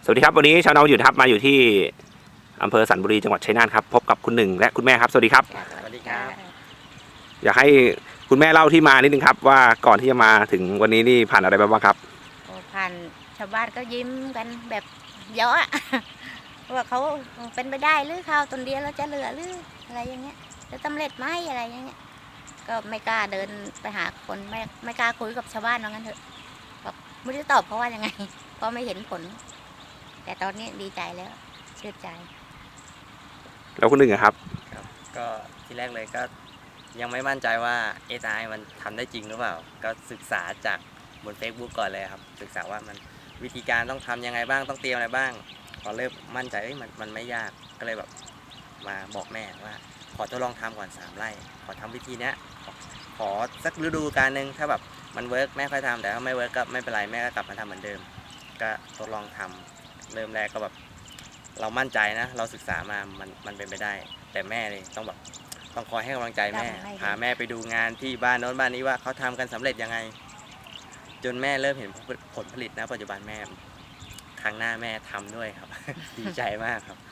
สวัสดีครับวันนี้ชาวนาอยู่ครับมาอยู่ที่อำเภอสันบุรีจังหวัดชัยนาทครับพบกับคุณหนึ่งและคุณแม่ครับสวัสดีครับสวัสดีครับอยากให้คุณแม่เล่าที่มานิดนึงครับว่าก่อนที่จะมาถึงวันนี้นี่ผ่านอะไรมาบ้างครับโอ้ผ่านชาวบ้านก็ยิ้มกันแบบเยอะอะ ว่าเขาเป็นไปได้หรือข้าวต้นเดียวเราจะเหลือหรืออะไรอย่างเงี้ยจะสำเร็จไหมอะไรอย่างเงี้ยก็ไม่กล้าเดินไปหาคนไม่กล้าคุยกับชาวบ้านว่างั้นเถอะบอกไม่รู้ตอบเพราะว่ายังไง เพราะไม่เห็นผล แต่ตอนนี้ดีใจแล้วชื่นใจแล้วคุณหนึ่งครับครับก็ที่แรกเลยก็ยังไม่มั่นใจว่า AI มันทำได้จริงหรือเปล่าก็ศึกษาจากบน Facebook ก่อนเลยครับศึกษาว่ามันวิธีการต้องทำยังไงบ้างต้องเตรียมอะไรบ้างพอเริ่มมั่นใจมันไม่ยากก็เลยแบบมาบอกแม่ว่าขอทดลองทำก่อน3 ไร่ขอทำวิธีเนี้ยขอสักฤดูกาลนึงถ้าแบบมันเวิร์กแม่ค่อยทำแต่ถ้าไม่เวิร์กก็ไม่เป็นไรแม่ก็กลับมาทำเหมือนเดิมก็ทดลองทำเริ่มแรกก็แบบเรามั่นใจนะเราศึกษามามันเป็นไปได้แต่แม่เลยต้องคอยให้กำลังใจแม่พาแม่ไปดูงานที่บ้านโน้นบ้านนี้ว่าเขาทำกันสำเร็จยังไงจนแม่เริ่มเห็นผลผลิตนะปัจจุบันแม่ครั้งหน้าแม่ทำด้วยครับ ดีใจมากครับ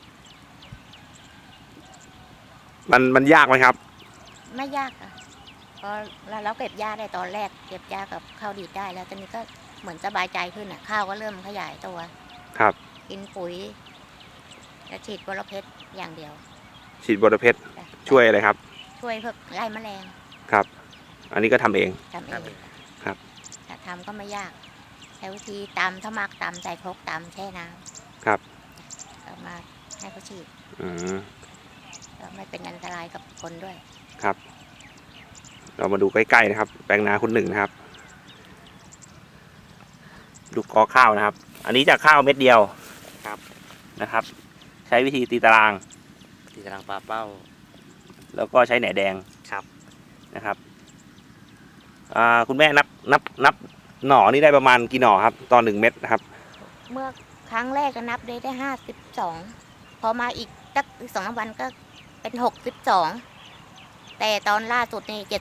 มันยากไหมครับไม่ยากค่ะพอเราเก็บหญ้าได้ตอนแรกเก็บหญ้ากับข้าวดีดได้แล้วตอนนี้ก็เหมือนสบายใจขึ้นอ่ะข้าวก็เริ่มขยายตัวครับกินปุ๋ยจะฉีดบรเพชรอย่างเดียวฉีดบรเพชรช่วยอะไรครับช่วยเพื่อไล่แมลงครับอันนี้ก็ทำเองทำเองครับแต่ทำก็ไม่ยากใช้วิธีตำถ้ามักตำใส่ครกตำแช่น้ำครับก็มาให้เขาฉีดก็ไม่เป็นอันตรายกับคนด้วยครับเรามาดูใกล้ๆนะครับแปลงนาคุณหนึ่งนะครับดูกอข้าวนะครับอันนี้จากข้าวเม็ดเดียวครับนะครับใช้วิธีตีตารางปลาเป้าแล้วก็ใช้แหนแดงครับนะครับคุณแม่นับหน่อนี่ได้ประมาณกี่หน่อครับตอน1 เม็ดนะครับเมื่อครั้งแรกก็นับได้52พอมาอีกสัก2 วันก็เป็น62แต่ตอนล่าสุดนี่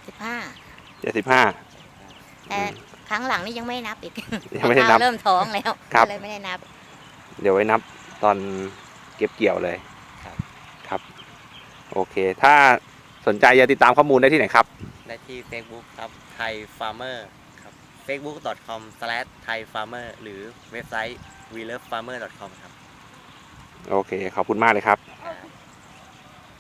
75แต่ครั้งหลังนี่ยังไม่นับอีกยังไม่ได้นับเริ่มท้องแล้วเลยไม่ได้นับเดี๋ยวไว้นับตอนเก็บเกี่ยวเลยครับโอเคถ้าสนใจจะติดตามข้อมูลได้ที่ไหนครับได้ที่ Facebook ครับ Thai Farmer ครับ facebook.com/thaifarmer หรือเว็บไซต์ welovefarmer.com ครับโอเคขอบคุณมากเลยครับ